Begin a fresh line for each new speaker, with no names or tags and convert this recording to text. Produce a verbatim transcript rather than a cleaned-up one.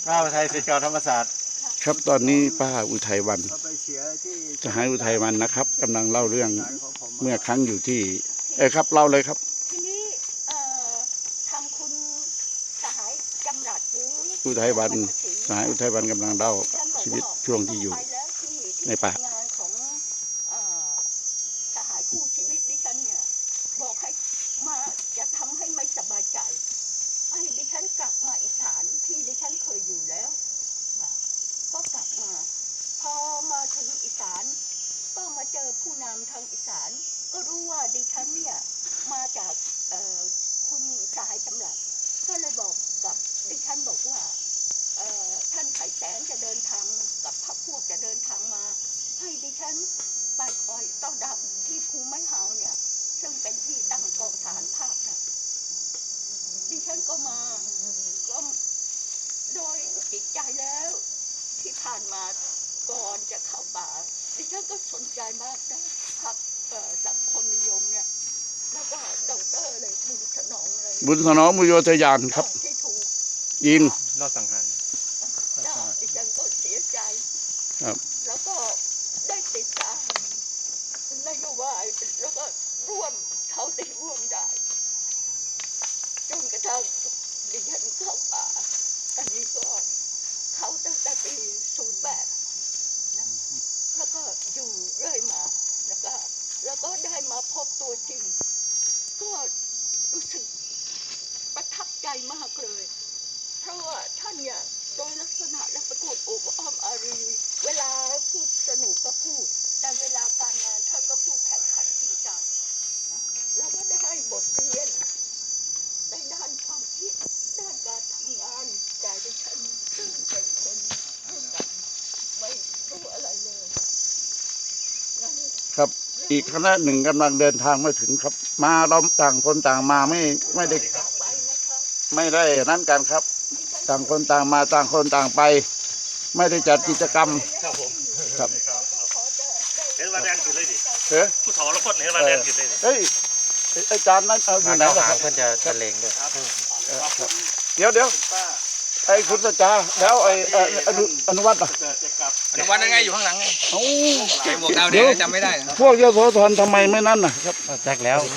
ป้าอุทัยศิษย์เก่าธรรมศาสตร์
ครับตอนนี้ป้าอุทัยวันจะให้อุทัยวันนะครับกำลังเล่าเรื่องเมื่อครั้งอยู่ที่เออครับเล่าเลยครับ
ทีนี้ทางคุณสหายจำรัดหรือ
อุทัยวันสหายอุทัยวันกำลังเล่าชีวิตช่วงที่อยู่ในป่า
งานของสหายคู่ชีวิตดิฉันเนี่ยบอกให้มาจะทำให้ไม่สบายใจให้ดิฉันกลับมาอีสานที่ดิฉันเคยอยู่แล้วก็กลับมาพอมาถึงอีสานก็มาเจอผู้นำทางอีสานก็รู้ว่าดิฉันเนี่ยมาจากคุณสหายจำรัดก็เลยบอกกับดิฉันบอกว่าท่านไข่แสงจะเดินทางกับพรรคพวกจะเดินทางมาให้ดิฉันไปคอยต้อนรับที่ภูไม้เฮาเนี่ยซึ่งเป็นที่ตั้งกองทหารภาคนะดิฉันก็มาก็โดยจิตใจแล้วที่ผ่านมาก่อนจะเข้าป่าดิฉันก็สนใจมากนะพรรคสังคมนิยมเนี่ยแล้วก็ดอกเตอร์เลยบุญสนองเลย
บุญสนองมุโยธยานครับยิง
รอดสังหาร
ดิฉันก็เสียใจ
ครับ
แล้วก็ได้ติดตามนโยบายแล้วก็ร่วมเขาได้ร่วมได้จนกระทั่งดิฉันเข้าป่าอันนี้ก็เขาตั้งแต่ปีศูนย์แปดนะแล้วก็อยู่เรื่อยมาแล้วก็แล้วก็ได้มาพบตัวจริงก็รู้สึกประทับใจมากเลยเพราะว่าท่านเนี่ยโดยลักษณะและเป็นคนอบอ้อมอารีเวลาพูดสนุกก็พูดแต่เวลาการงานท่านก็พูดแข่งขันจริงจังนะแล้วก็ได้ให้บทเรียนในด้านความคิดด้านการทำงานแต่ดิฉันซึ่งเป็นคนรุ่นใหม่ไม่รู้อะไรเลย
ครับอีกคณะหนึ่งกำลังเดินทางมาถึงครับมาเราต่างคนต่างมาไม่ไม่ได้ไม่ได้นั้นกันครับต่างคนต่างมาต่างคนต่างไปไม่ได้จัดกิจกรรม
ครับผม
ครับ
เห็นว่าแดนกินเลยดิ
เฮ้ย
ผู้ถอแล้วคนเห็นว่าแดนกินเลยดิ
เฮ้ยอาจารย์นั้นเอาอยู่ไหนล่ะครับ
เพื่อนจะจะเลงด้วย
เดี๋ยวเดี๋ยวไอ้คุณสัจจาแล้วไอ้อนุอนุวัฒน์อ่ะ
อนุวัฒน์ยังไงอยู่ข้างหลังไง
โอ้
ใส่หมวกดาวแดงจำไม่ได้
พวกยโสธรทำไมไม่นั่นน่ะครับ
แจ็คแล้ว